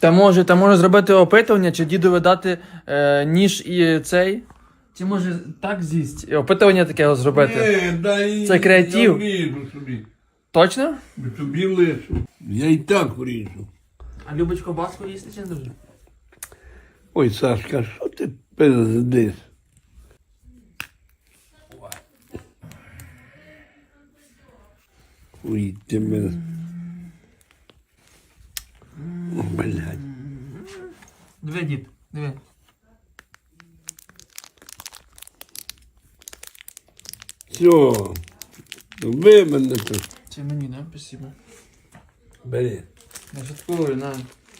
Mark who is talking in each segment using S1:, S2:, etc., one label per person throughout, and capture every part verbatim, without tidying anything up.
S1: Та може, та може зробити опитування, чи дідові дати е, ніж і цей? Чи може так з'їсть? І опитування таке зробити?
S2: Ні, дай,
S1: Це креатив.
S2: Я вріжу собі.
S1: Точно?
S2: Собі лишу. Я і так вріжу.
S1: А любить ковбаску їсти чи не дуже?
S2: Ой, Сашка, що ти пиздиш? Ой, ти мене... О, блядь.
S1: Диви, дід, диви.
S2: Все. Ви мене тут.
S1: Це мені, да? Спасибо.
S2: Бери.
S1: Я шуткую, на.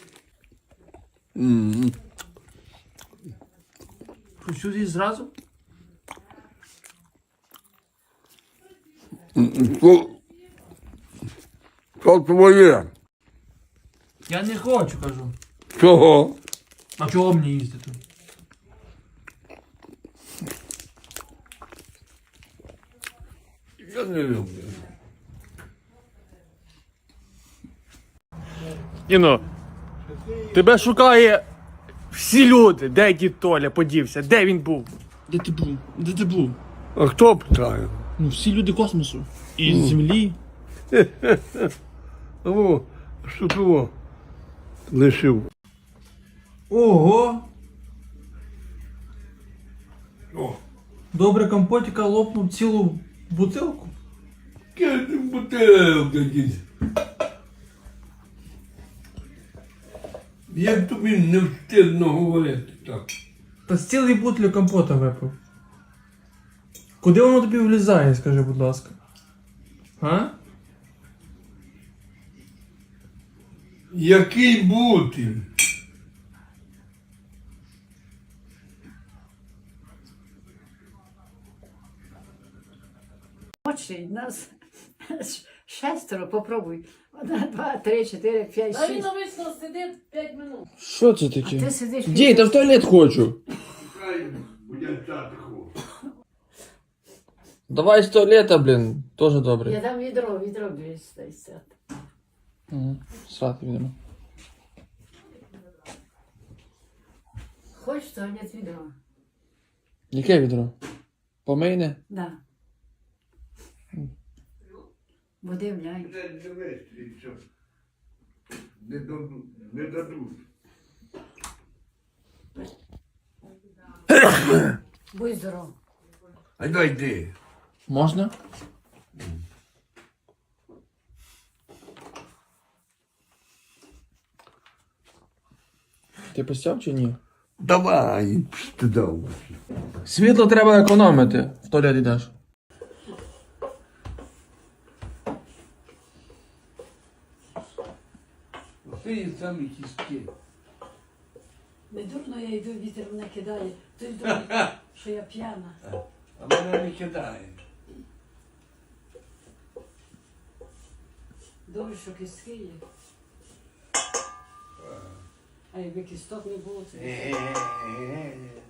S2: М-м.
S1: Що, сюди зразу?
S2: Що? Що твоє?
S1: Я не хочу, кажу.
S2: Чого?
S1: А чого мені їсти тут?
S2: Я не люблю.
S1: Іно, тебе шукає всі люди. Де дід Толя подівся? Де він був? Де ти був? Де ти був?
S2: А хто питає?
S1: Ну, всі люди космосу. І з землі.
S2: О, що того лишив?
S1: Ого!
S2: О,
S1: Добре компотіка лопнув цілу бутилку.
S2: кинь бутилку, дід. Як тобі не встидно говорити так?
S1: Та з цілої бутлі компота випив. Куди воно тобі влізає, скажи, будь ласка? А?
S2: Який бути?
S3: Очі, нас шестеро, попробуй. Одна, два, три, чотири, п'ять,
S4: А він
S3: шість.
S4: обично сидить п'ять минут.
S1: Що це
S3: А ти
S1: таке?
S3: сидиш.
S1: Дій, та в туалет хочу.
S2: Хай будять ху.
S1: Давай з туалета, блін. Тоже добре.
S3: Я дам відро, відро двісті.
S1: Угу. Срати відомо.
S3: Хочеш туалет відро?
S1: Яке відро? Помийне?
S3: Да. Води вляй.
S2: Не дивись, і що. Не дадуть. Не дадуть.
S3: Будь здоров.
S2: А дай йди.
S1: Можна? Ти постяв чи ні?
S2: Давай, стидав.
S1: Світло треба економити. В туалет йдеш.
S2: Ти самі кістки.
S3: Не дурно я йду, вітер мене кидає. Ти думаєш, що я п'яна.
S2: А мене не кидає.
S3: Добре, що кістки є. А якби кісток не було, то...
S2: Е-е-е.